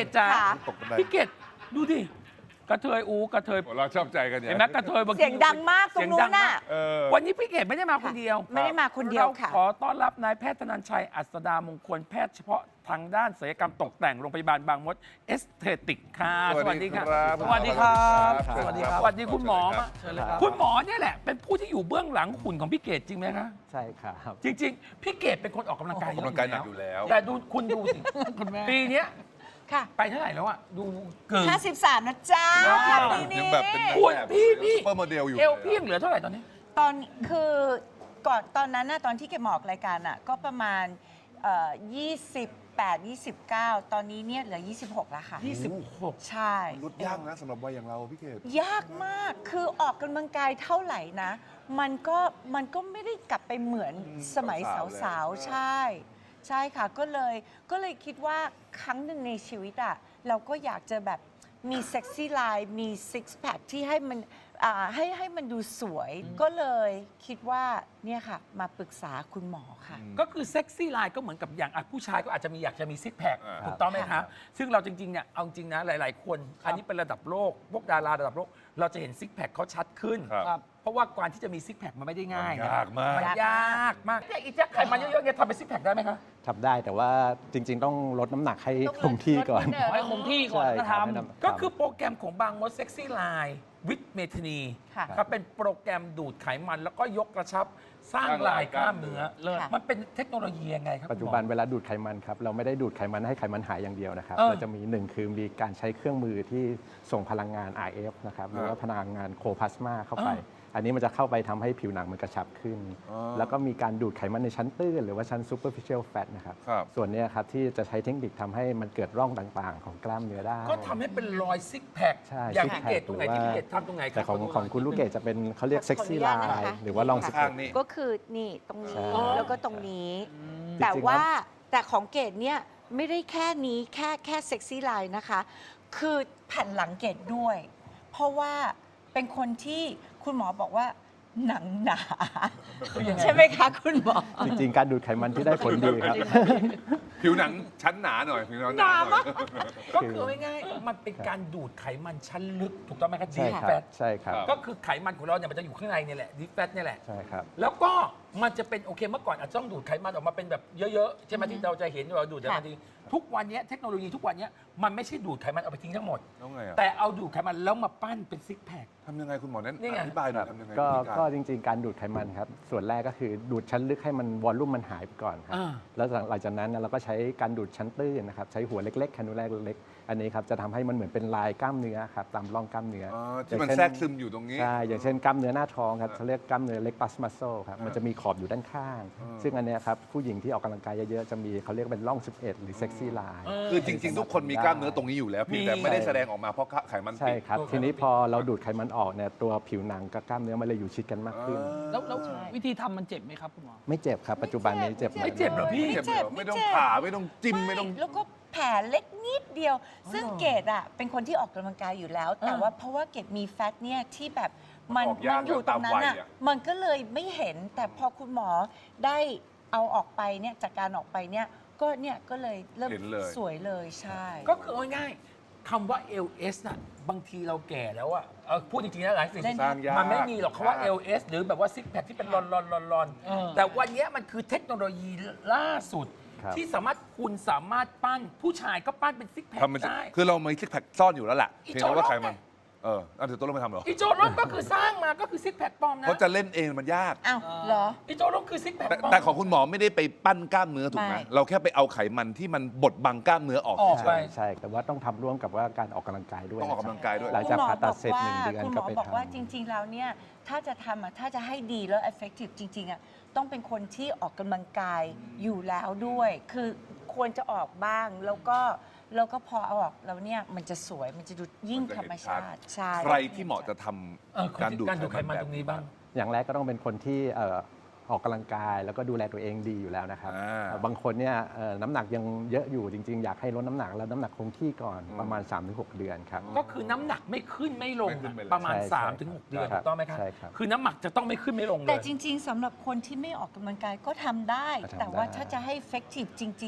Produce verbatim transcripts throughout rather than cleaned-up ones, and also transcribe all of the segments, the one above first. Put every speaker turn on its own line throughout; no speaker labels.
จ๋า
ค่ะ
พี่เกดดูดิกระเทยอูกระเทย
เราชอบใจกันอย่าง
เห็นไหมกระเทยบางที
เสียงดังมากตรงนู้นน่ะ
เออ
วันนี้พี่เกดไม่ได้มาคนเดียว
ไม่ได้มาคนเดียวค่ะ
ราขอต้อนรับนายแพทย์ธนันชัยอัสดามงคลแพทย์เฉพาะทางด้านศัลยกรรมตกแต่งโรงพยาบาลบางมดเอสเทติกค่ะสวัสดีค่ะ
สวัสดีครับ
สวัสดีครับสวัสดีคุณหมอมาคุณหมอเนี่ยแหละเป็นผู้ที่อยู่เบื้องหลังหุ่นของพี่เกดจริงไหมคะ
ใช่ครับ
จริงๆ พี่เกดเป็นคนออกกำลังกาย
ออกกำลังกายหนักอยู่แล้ว
แต่ดูคุณดูสิปีเนี้ย
ค่ะ
ไปเท่าไหร่แล้วอะดูเกิน
ห้าสิบสามนะจ๊ะ
ว้าว
ปีนี้
ยังแบบเป็น
คุณพี่พี่
ซุปเปอร์โมเดลอยู่
เอวพี่ยังเหลือเท่าไหร่ตอนนี้
ตอนคือก่อนตอนนั้นน่ะตอนที่เกดมาออกรายการน่ะก็ประมาณเอ่อยี่สิบแปด ยี่สิบเก้า ตอนนี้เนี่ยเหลือ ยี่สิบหก แล้วค่ะ
ยี่สิบหก
ใช่
ลดยากนะสำหรับวัยอย่างเราพี่เกด
ยากมากคือออกกำลังกายเท่าไหร่นะ มันก็มันก็ไม่ได้กลับไปเหมือนสมัยสาวๆ ใช่ ใช่ค่ะก็เลยก็เลยคิดว่าครั้งหนึ่งในชีวิตอะเราก็อยากจะแบบมีเซ็กซี่ไลน์มีซิกแพคที่ให้มันอ่าให้ให้มันดูสวย ก็เลยคิดว่าเนี่ยค่ะมาปรึกษาคุณหมอค่ะ
ก็คือเซ็กซี่ไลน์ก็เหมือนกับอย่างอ่ะผู้ชายก็อาจจะมีอยากจะมีซิกแพค
อ่า
ถูกต้องไหมครับ ซึ่งเราจริงๆเนี่ยเอาจริงนะหลาย ๆ คน อันนี้เป็นระดับโลก พวกดาราระดับโลก เราจะเห็นซิกแพคเขาชัดขึ้น
ครับ
เพราะว่าการที่จะมีซิกแพคมันไม่ได้ง่ายนะ
ยากมาก
มันยากมากเนี่ยอีแจ๊คไขมันเยอะๆเนี่ยทำเป็นซิกแพคได้ไหมคะ
ทำได้แต่ว่าจริง ๆ ต้องลดน้ำหนักให้
ต้องลด
คงที่ก่อน
ลดนิดนึง
ให้คงที่ก่อน
ใช่
ก็
ครับ
ทำ
ให้น้ำ
ก็คือโปรแกรมของบางมดเซ็กซี่ไลน์วิดเมทนี
ค่ะ
ครับเป็นโปรแกรมดูดไขมันแล้วก็ยกกระชับสร้างลายกล้ามเนื้อ
เลิศ
มันเป็นเทคโนโลยียังไงครับ
ปัจจุบันเวลาดูดไขมันครับเราไม่ได้ดูดไขมันให้ไขมันหายอย่างเดียวนะครับ
เออ
เราจะมีหนึ่งคือมีการใช้เครื่องมือที่ส่งพลังงาน อาร์ เอฟ นะครับหรือว่าพลังงานโคพลาสมาเข้าไป อันนี้มันจะเข้าไปทำให้ผิวหนังมันกระชับขึ้น
อ๋อ
แล้วก็มีการดูดไขมันในชั้นตื้นหรือว่าชั้น superficial fat นะครับ
ครับ
ส่วนเนี้ยครับที่จะใช้เทคนิคทำให้มันเกิดร่องต่างๆ ของกล้ามเนื้อได้
ก็ทำให้เป็นรอยซิกแพค
ใช่
อย่าง
ซิ
พี่
กแพค
เกดตรงไหนที่พี่เกดทำตรงไหนครั
แต่ของของคุณลูกเกดจะเป็นเขาเรียกเซ็กซี่
ขอ
ไล
อนุญาตนะคะ
น์หรือว่าลองสเป
ข้าง
ก
นี่
ก็คือนี่ตรงนี้
ใช่
แล้วก็ตรงนี้
จริงๆ
แต่ว่าแต่ของเกดเนี่ยไม่ได้แค่นี้แค่แค่เซ็กซี่ไลน์นะคะ คือแผ่นหลังเกดด้วย เพราะว่าเป็นคนที่คุณหมอบอกว่าหนังหนา ใช่ไหมคะคุณหมอ
จริงๆ การดูดไขมันที่ได้ผลดีครับ
ผิวหนังชั้นหนาหน่อยผิวหนังหนาหน่อย
ก็คือง่ายๆมันเป็นการดูดไขมันชั้นลึก ถูกต้องไหมครับ
ใช่
ดี
ครั
แฟ
บ
ต
ใช่ครับ
ครับ
ก็คือไขมันของเราเนี่ยมันจะอยู่ข้างในเนี่ยแหละดีแฟตเนี่ยแหละ
ใช่ครับ
แล้วก็มันจะเป็นโอเคเมื่อก่อนอาจจะต้องดูดไขมันออกมาเป็นแบบเยอะๆใช่ไหมที่เราจะเห็นเราดูดแต่บางทีทุกวันนี้เทคโนโลยีทุกวันนี้มันไม่ใช่ดูดไขมันเอาไปทิ้งทั้งหมด
แล้วไงอ่ะ
แต่เอาดูดไขมันแล้วมาปั้นเป็นซิกแพค
ทำยังไงคุณหมอนั้น
นี่ไง
อธิบายหน่อยทำยังไง
ก็
วิธีาร
ก็จริงๆ การดูดไขมันครับ ส่วนแรกก็คือดูดชั้นลึกให้มันวอลลุ่มมันหายไปก่อนครับ
อ่า
แล้วหลังจากนั้นเนี่ยเราก็ใช้การดูดชั้นตื้นนะครับ ใช้หัวเล็กๆแคนูล่าเล็กๆ อันนี้ครับจะทำให้มันเหมือนเป็นลายกล้ามเนื้อครับตามร่องกล้ามเนื้อ
อ๋อ
อ
ที่มัน
ย่างเช่
แทรกซึมอยู่ตรงนี้
ใช่ อย่างเช่นกล้ามเนื้อหน้าท้องครับ
อ่า
เขาเรียกกล้ามเนื้อเล็กปัสมัสโซครับ
อ่ามั
มันจะมีขอบอยู่ด้านข้าง
อ่า
ซึ่งอันเนี้ยครับผู้หญิงที่ออกกำลังกายเยอะๆ จะมีเขาเรียกเป็นร่อง สิบเอ็ด หรือเซ็กซี่ไลน์
คือจริง ๆ ทุกคนมีกล้ามเนื้อตรงนี้อยู่แล้วเพียงแต่
มี
ไม่ได้แสดงออกมาเพราะไขมัน
ใช่
ติด
ครับ
ตัว
ทีนี้
ไขมัน
พอเราดูดไขมันออกเนี่ยตัวผิวหนังกับกล้ามเนื้อมันเลยอยู่ชิดกันมากขึ้น
แล้วแล้ววิธีทำมันเจ็บไหมครับคุณหมอ
ไม่เจ็บครับ ปัจจุบันนี้เจ็บ
ไม่เจ็บเหรอพี่
ไม่เจ็บเหรอ
ไม่
ไม่
เจ็บ
ต้องผ่าไม่ต้องจิ้มไม่ต้อง
แล้วก็แผลเล็กนิดเดียว ซึ่งเกดอ่ะเป็นคนที่ออกกำลังกายอยู่แล้ว แต่ว่าเพราะว่าเกดมีแฟตเนี่ยที่แบบมัน
ออกยาก
มันอยู่ตรงนั้นอ่ะ
ตามวัยอะ
มันก็เลยไม่เห็น แต่พอคุณหมอได้เอาออกไปเนี่ยจากการออกไปเนี่ยก็เนี่ยก็เลยเริ่ม
เห็นเลย
สวยเลยใช่
ก็คือเอาง่ายๆคำว่า แอล เอส น่ะบางทีเราแก่แล้วอะเอาพูดจริงๆนะหลายสิ่ง
เล่น
สร้างยาก
มันไม่มีหรอกคำว่า
ยาก
แอล เอส หรือแบบว่าซิกแพคที่เป็นรอนรอนรอนรอน
เออ
แต่วันเนี้ยมันคือเทคโนโลยีล่าสุด
ครับ
ที่สามารถคุณสามารถปั้นผู้ชายก็ปั้นเป็นซิกแพค
ทำมันจะ
ได้
คือเรามีซิกแพคซ่อนอยู่แล้วแหละ
อี
เพียง
โจ
แต่ว่า
โร่
ไขมันเออเอาเดี๋ยวตัวเราไม่ทำเหรอ
อีโจรถก็คือสร้างมาก็คือซิกแพคปลอมนะ
เพราะจะเล่นเองมันยาก
อ้าวเหรอ
อีโจรถคือซิกแพค
แต่
ปลอม
แต่ของคุณหมอไม่ได้ไปปั้นกล้ามเนื้อถูกไหม
ไม่
เราแค่ไปเอาไขมันที่มันบดบังกล้ามเนื้อออก
ออก
เฉ
ไป
ย
ใช่ แต่ว่าต้องทำร่วมกับว่าการออกกำลังกายด้วย
ต้องออกกำลังกายด้วย
หลังจากผ่าตัดเสร็จหนึ่งเดือน
คุณหม
ก็
อ
ไป
บอกว่า
ทำ
จริง ๆ แล้วเนี่ยถ้าจะทำอ่ะถ้าจะให้ดีแล้ว effective จริง ๆอ่ะต้องเป็นคนที่ออกกำลังกายอยู่แล้วด้วย คือควรจะออกบ้าง แล้วก็แล้วก็พอเอาออกแล้วเนี่ยมันจะสวยมันจะดูยิ่งธรรมชาติใช่
ใครที่เหมาะจะทำ
เออ
การดูด
การดูดไข
ไข
มั
มัน น
ตรงนี้บ้าง
อย่างแรกก็ต้องเป็นคนที่เอ่อออกกำลังกายแล้วก็ดูแลตัวเองดีอยู่แล้วนะครับ
อ่า
เอ่อบางคนเนี่ยเอ่อน้ำหนักยังเยอะอยู่จริง ๆ อยากให้ลดน้ำหนักแล้วน้ำหนักคงที่ก่อน
อืม
ประมาณ สามถึงหก เดือนครับ
ก็คือน้ำหนักไม่ขึ้นไม่ลง
ไม่ขึ้นไม่ลง
ประมาณ
ใช่
สามถึงหก
ใช่
เดือน
ครั
ถู
บ
กต้องไหมครับ
ใช่ครับ
คือน้ำหนักจะต้องไม่ขึ้นไม่ลงเล
แต่
ย
จริง ๆสำหรับคนที่ไม่ออกกำลังกายก็ทำได้
ก็ทำ
แต่ว่า
ได้
ถ้าจะให้ effective จริง ๆอ่ะ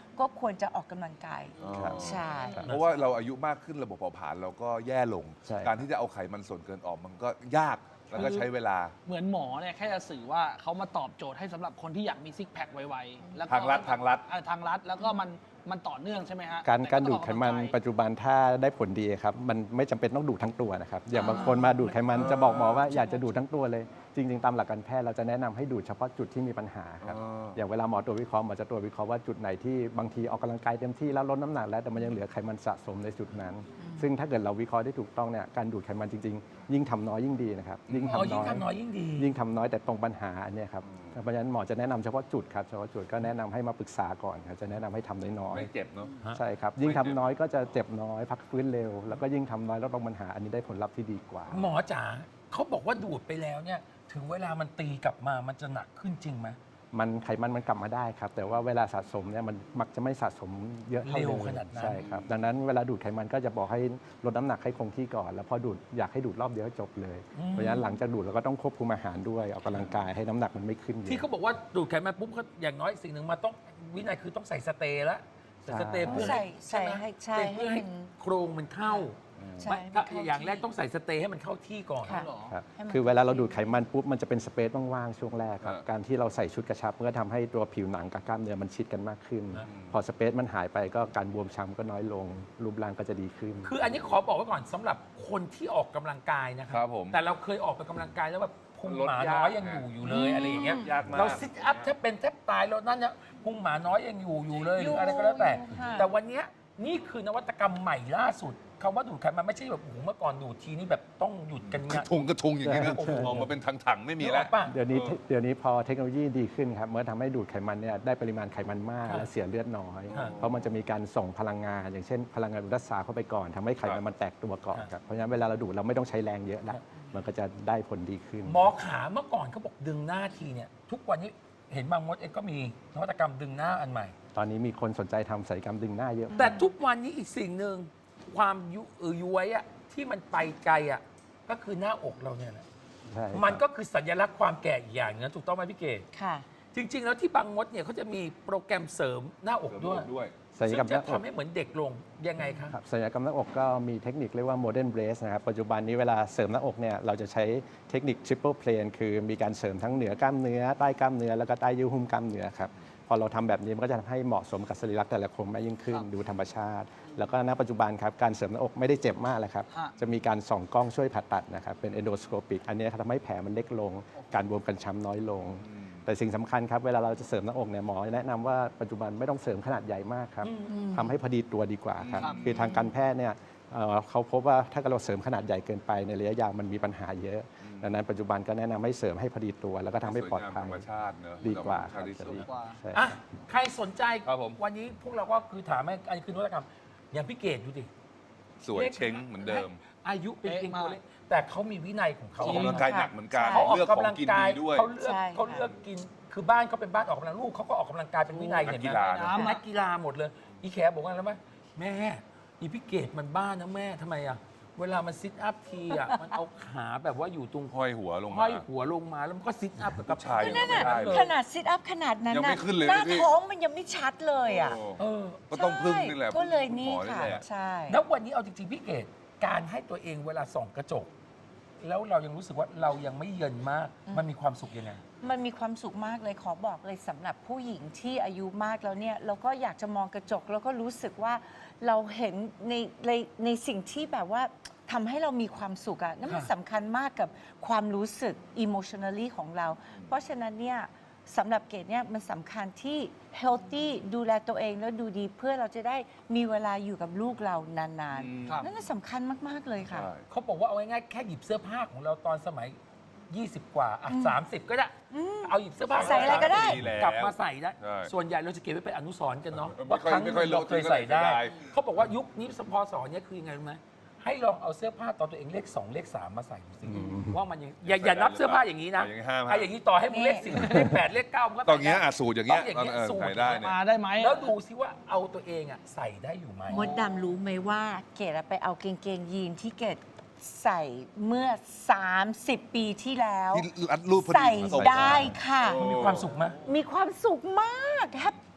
ก็ควรจะออกกำลังกาย
อ๋อ
ใช่
เพราะว่าเราอายุมากขึ้นระบบเผาผลาญเราก็แย่ลง
ใช่
การที่จะเอาไขมันส่วนเกินออกมันก็ยากแล้วก็ใช้เวลา
เหมือนหมอเนี่ยแค่จะสื่อว่าเขามาตอบโจทย์ให้สำหรับคนที่อยากมีซิกแพคไวๆแล้วก็
ทางลัดทางลัด
อ่ทางรัดแล้วก็มันมันต่อเนื่องใช่ไหมฮะ
การ
แต่
การ
ต้
ดู
อง
ด
ออ
ไขมัน
กำลังกาย
ปัจจุบันถ้าได้ผลดีครับมันไม่จำเป็นต้องดูดทั้งตัวนะครับอย่าง
อ่า
บางคนมาดูดไขมันจะบอกหมอว่าอยากจะดูดทั้งตัวเลย จริง ๆ ตามหลักการแพทย์เราจะแนะนำให้ดูดเฉพาะจุดที่มีปัญหาครับ
อ๋อ
อย่างเวลาหมอตรวจวิเคราะห์หมอจะตรวจวิเคราะห์ว่าจุดไหนที่บางทีออกกำลังกายเต็มที่แล้วลดน้ำหนักแล้วแต่มันยังเหลือไขมันสะสมในจุดนั้น ซึ่งถ้าเกิดเราวิเคราะห์ได้ถูกต้องเนี่ยการดูดไขมันจริง ๆ ยิ่งทำน้อยยิ่งดีนะครับยิ่ง
อ๋อ
ทำ
ยิ่
น้
ง
อย
ทำน้อยยิ่งดี
ยิ่งทำน้อยแต่ตรงปัญหาอันเนี้ยครับเพราะฉะนั้นหมอจะแนะนำเฉพาะจุดครับเฉพาะจุดก็แนะนำให้มาปรึกษาก่อนครับจะแนะนำให้ทำน้อย
ไม่เจ็บเนาะ
ๆใช่ครับยิ่งทำน้อยก็จะเจ็บน้อยพักฟื้นเร็ว แล้วก็ยิ่งทำน้อยลดลงปัญหาอันนี้ได้ผลลัพธ์ที่ดีกว่า
หมอจ๋าเขาบอกว่าดูดไปแล้วเนี่ยถึงเวลามันตีกลับมามันจะหนักขึ้นจริงไหม
มันไขมันมันกลับมาได้ครับ แต่ว่าเวลาสะสมเนี่ยมันมักจะไม่สะสมเยอะเท่า
เร็
เดิ
ว
ม
ขนาดนั้น
ใช่ครับดังนั้นเวลาดูดไขมันก็จะบอกให้ลดน้ำหนักให้คงที่ก่อน แล้วพอดูดอยากให้ดูดรอบเดียวให้จบเลย เพราะฉะนั้นหลังจากดูดเราก็ต้องควบคุมอาหารด้วยออกกำลังกายให้น้ำหนักมันไม่ขึ้นเย
ที่
อะ
เขาบอกว่าดูดไขมันปุ๊บเขาอย่างน้อยสิ่งหนึ่งมาต้องวินัยคือต้องใส่สเตย์ละใส่สเตย์เพื่อ
ใส่
ใช่ไหม
ใส่ให้ใช่
เพื่อให้
ให้มัน
โครงมันเข้า
ใช่
ไม่
มัน
ถ้า
เข้า
อย่าง
ที่
แรกต้องใส่สเตย์ให้มันเข้าที่ก่อน
ค่ะ
เหรอ
ครับ
ให้มัน
คือเวลาเราดูดไขมันปุ๊บมันจะเป็นสเปซว่างๆช่วงแรกครับ
อ่า
การที่เราใส่ชุดกระชับมันก็ทำให้ตัวผิวหนังกับกล้ามเนื้อมันชิดกันมากขึ้น พอสเปซมันหายไปก็การบวมช้ำก็น้อยลง รูปร่างก็จะดีขึ้น
คืออันนี้ขอบอกไว้ก่อนสำหรับคนที่ออกกำลังกายนะค
ครั
รับ
ผม
แต่เราเคยออกไปกำลังกายแล้วแบบพุง
ลด
หมาย
าก
น้อยยังอยู่อยู่เลยอะไรอย่างเงี้ย
ยากมาก
เราซิทอัพแทบเป็นแทบตายแล้วนั่นเนี่ยพุงหมาน้อยยังอยู่อยู่เลยห
อยู่
รืออะไรก็แล้วแต่
อยู่ค่ะ
แต่วันเนี้ยนี่คือนวัตกรรมใหม่ล่าสุดคำว่าดูดไขมันไม่ใช่แบบโอ้โหเมื่อก่อนดูดทีนี่แบบต้องหยุดกัน
ก
เนี่
ระ
ย
ทุงกระทุงอย่างนี้นะ
โอ้โห
ออกมาเป็นถังๆไม่มีแล้ว
นึกออกปะ
เดี๋ยวนี้เดี๋ยวนี้พอเทคโนโลยีดีขึ้นครับเมื่อทำให้ดูดไขมันเนี่ยได้ปริมาณไขมันมาก
ครับ
และเสียเลือดน้อย
ครับ
เพราะมันจะมีการส่งพลังงาน อย่างเช่น พลังงานอุรัสสาเข้าไปก่อนทำให้ไขมันมันแตกตัวก่อน
ครับ
ครับเพราะฉะนั้นเวลาเราดูดเราไม่ต้องใช้แรงเยอะละมันก็จะได้ผลดีขึ้น
หมอขาเมื่อก่อนเขาบอกดึงหน้าทีเนี่ยทุกวันนี้เห็นบางมดเองก็มีนวัตกรรมดึงหน้าอันใหม่
ตอนนี้มีคนสนใจทำศัลยกรรมดึงหน้าเยอะ
แต่ทุกวันนี้อีกสิ่งหนึ่งความยุเออย้วยอะที่มันไปไกลอะก็คือหน้าอกเราเนี่ยแหละ
ใช่ครับ
มันก็คือสัญลักษณ์ความแก่อีกอย่างหนึงนะถูกต้องไหมพี่เกด
ค่ะ
จริง ๆ แล้วที่บางมดเนี่ยเขาจะมีโปรแกรมเสริมหน้าอกด้วย
ด้วย
ศัลย
ซึ่
กรรม
ง
ห
จะ
น้าอก
ทำให้เหมือนเด็กลงยังไงคะ
ครับศัลยกรรมหน้าอกก็มีเทคนิคเรียกว่า modern brace นะครับปัจจุบันนี้เวลาเสริมหน้าอกเนี่ยเราจะใช้เทคนิค triple plane คือมีการเสริมทั้งเหนือกล้ามเนื้อใต้กล้ามเนื้อแล้วก็ใต้เยื่อหุ้มกล้ามเนื้อครับพอเราทำแบบนี้มันก็จะทำให้เหมาะสมกับสรีระแต่ละคนมากยิ่งขึ้น
ครับ
ดูธรรมชาติ แล้วก็ณปัจจุบันครับการเสริมหน้าอกไม่ได้เจ็บมากเลยครับ
ฮะ
จะมีการส่องกล้องช่วยผ่าตัดนะครับเป็น endoscopic อันนี้ทำให้แผลมันเล็กลง การบวมกันช้ำน้อยลง แต่สิ่งสำคัญครับเวลาเราจะเสริมหน้าอกเนี่ยหมอแนะนำว่าปัจจุบันไม่ต้องเสริมขนาดใหญ่มากครับทำให้พอดีตัวดีกว่าครับ
ครับ
คือทางการแพทย์เนี่ยเอ่อเขาพบว่าถ้าเราเสริมขนาดใหญ่เกินไปในระยะยาวมันมีปัญหาเยอะ ดังนั้นปัจจุบันก็แนะนำให้เสริมให้พอดีตัว แล้วก็ทำให้ปลอดภัย
ธรรมชาติเนอะ
ดีกว่า
ธรรมชาติที่
ครับ
สุด
จะดี
กว่า
ใช่
อ่ะใครสนใจ
ครับผม
วันนี้พวกเราก็คือถามให้อันนี้คือนวัตกรรม อย่างพี่เกดดูดิ
สวยเช้งเหมือนเดิม
อายุเป็นเพียง
เป๊ะมาก
ตัวเล็กแต่เขามีวินัยของเขา
ออกกำลังกายหนักเหมือนกัน
เขาออก
เลือกของ
กำลัง
กิน
กาย
ดีด้วย
เขาเลือก
ใช่
เขาเลือกกินคือบ้านเขาเป็นบ้านออกกำลังลูกเขาก็ออกกำลังกายเป็นวินัย
นัก
เห็น
กี
ไหม
ฬานะ
เป็นนักกีฬาหมดเลย อีแขบอกว่าแล้วไหมแม่อีพี่เกดมันบ้านะแม่ทำไมอ่ะเวลามันซิทอัพทีอ่ะมันเอาขาแบบว่าอยู่ตรง
ห้อยหัวลง
ห้
มา
อยหัวลงมาแล้วมันก็ซิทอัพกับ
ผู้ชายยังไม่ได้เลย
ขนาดซิทอัพขนาดนั้น
ยังไม่
น่ะ
ขึ้นเลย
หน้า
พี่
ท้องมันยังไม่ชัดเลยอ่ะ
โอ้
เออ
ก็ต้องพึ่งนี่แหละ
ใช่ก็เลยนี่
ณหมอ
ค่ะ
แหละ
ใช่
แล้ววันนี้เอาจริงๆพี่เกดการให้ตัวเองเวลาส่องกระจก แล้วเรายังรู้สึกว่าเรายังไม่เยินมาก มันมีความสุขยังไง
มันมีความสุขมากเลยขอบอกเลยสำหรับผู้หญิงที่อายุมากแล้วเนี่ยเราก็อยากจะมองกระจก แล้วก็รู้สึกว่าเราเห็นในในในสิ่งที่แบบว่าทำให้เรามีความสุขอะนั่นมัน
ค่ะ
สำคัญมากกับความรู้สึก emotionally ของเรา เพราะฉะนั้นเนี่ยสำหรับเกดเนี่ยมันสำคัญที่ healthy ดูแลตัวเองแล้วดูดีเพื่อเราจะได้มีเวลาอยู่กับลูกเรานาน
อืม
ครับ
ๆนั่นนะสำคัญมากๆเลยค่ะ
ใช่
เขาบอกว่าเอาง่ายๆแค่หยิบเสื้อผ้าของเราตอนสมัย ยี่สิบ กว่าอ่ะสามสิบ ก็ได้ เอาหยิบเสื้อผ้า
ใส่อะไรก็ได้
ดีแล้ว
กลับมาใส่ได้
ใช่
ส่วนใหญ่เราจะเก็บไว้เป็นอนุสรณ์กันเนาะ
ไม่
ว่า
ค่อย
ครั้งห
ไม่
นึ่ง
ค่อย
เราเคยใส่ได้
รู้ก็เลยเสียดาย
เขาบอกว่ายุคนี้พอสอนเนี่ยคือยังไงรู้ไหมให้ลองเอาเสื้อผ้าตอนตัวเองเลขสองเลขสามมาใส่ดูสิว่ามันยังอย่าอย่านับเสื้อผ้าอย่างนี้นะ
อย่างนี้ห้าม
ไอ้อย่างนี้ต่อให้มึงเลขสิบเลขแปดเลขเก้ามันก็
ตอนเงี้ย
ใส่ได้
อ่ะสูตรอย่างเงี้ย
ต้องอย่างเงี้ย
เออ
สูตร
ใส่ได้เนี่ย
มาได้ไหม
แล้วดูซิว่าเอาตัวเองอ่ะใส่ได้อยู่ไหม
มดดำรู้ไหมว่าเกดอะไปเอาเกงเกงยีนที่เกดใส่เมื่อ สามสิบ ปีที่แล้ว
ที่รัดรูปพอดี
ใส่
ส่ง
ได้ค่ะ
โอ้
มีความสุขไหม
มีความสุขมากแฮป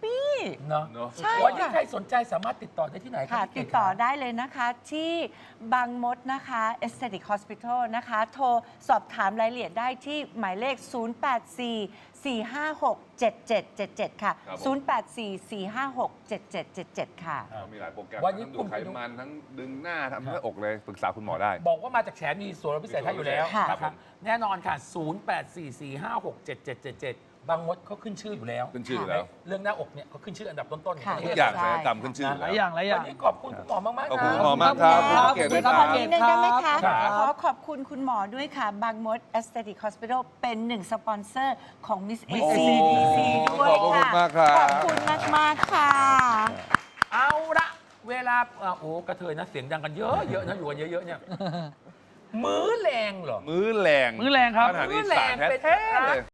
ปี้
เนาะ
เนอะ
ใช่
วันนี้
ค่ะ
ใครสนใจสามารถติดต่อได้ที่ไหนครั
ค่ะ
พี่เก
ติด
ศ
ต่อ
ครับ
ได้เลยนะคะที่บางมดนะคะ Aesthetic Hospital นะคะ โทรสอบถามรายละเอียดได้ที่หมายเลข ศูนย์ แปด สี่ สี่ ห้า หก เจ็ด เจ็ด เจ็ด เจ็ด ค่ะ
ครับผม
ศูนย์ แปด สี่ สี่ ห้า หก เจ็ด เจ็ด เจ็ด เจ็ด ค่ะ
เรามีหลายโปรแกรม
วันนี้
ทั้งดู
คุ
ด
ณ
ไขมันทั้งดึงหน้าทำหน้าอกเลยปรึกษาคุณหมอได้
บอกว่ามาจากแฉมีส่วนลดพิเศษให้อยู่แล้ว
ค่ะ
นะครับแน่นอนค่ะ ศูนย์ แปด สี่ สี่ ห้า หก เจ็ด เจ็ด เจ็ด เจ็ด บางมดเขาขึ้นชื่ออยู่แล้ว
ขึ้นชื่ออยู่แล้ว
เรื่องหน้าอกเนี่ยเขาขึ้นชื่ออันดับต้นๆของ
ค่ะ
ประ
ทุ
เท
ก
ศ
อย่าง
ใช่
ศัลยกรรมขึ้นชื่ออยู่
หลา
แล้
ยว อย่างหลายอ
วั
ย่าน ง
นี้ขอบคุณคุณหมอมากๆ
ขอบ
นะ
คุณหมอมากครับ
ขอบ
เก
คุ
ศ
ณ
ด้วย
ค
ค
รั
รับ
บ
นิดนึงได้ไหมคะ
ครับ
ขอขอบคุณคุณหมอด้วยค่ะ บางมด Aesthetic Hospital เป็นหนึ่งสปอนเซอร์ของ Miss เอ ซี ดี ซี ด้วย
ขอบคุณ
ค่ะ
มากครับ
ขอบคุณมากมากๆค่ะ
เอาละเวลาอ่ะโอ้กระเทยนะเสียงดังกันเยอะเยอะนะอยู่กันเยอะๆเนี่ยมื้อแรงเหรอ
มื้อแรง
มื้อแรงครับ
อาหารอีสานแท้ๆเลย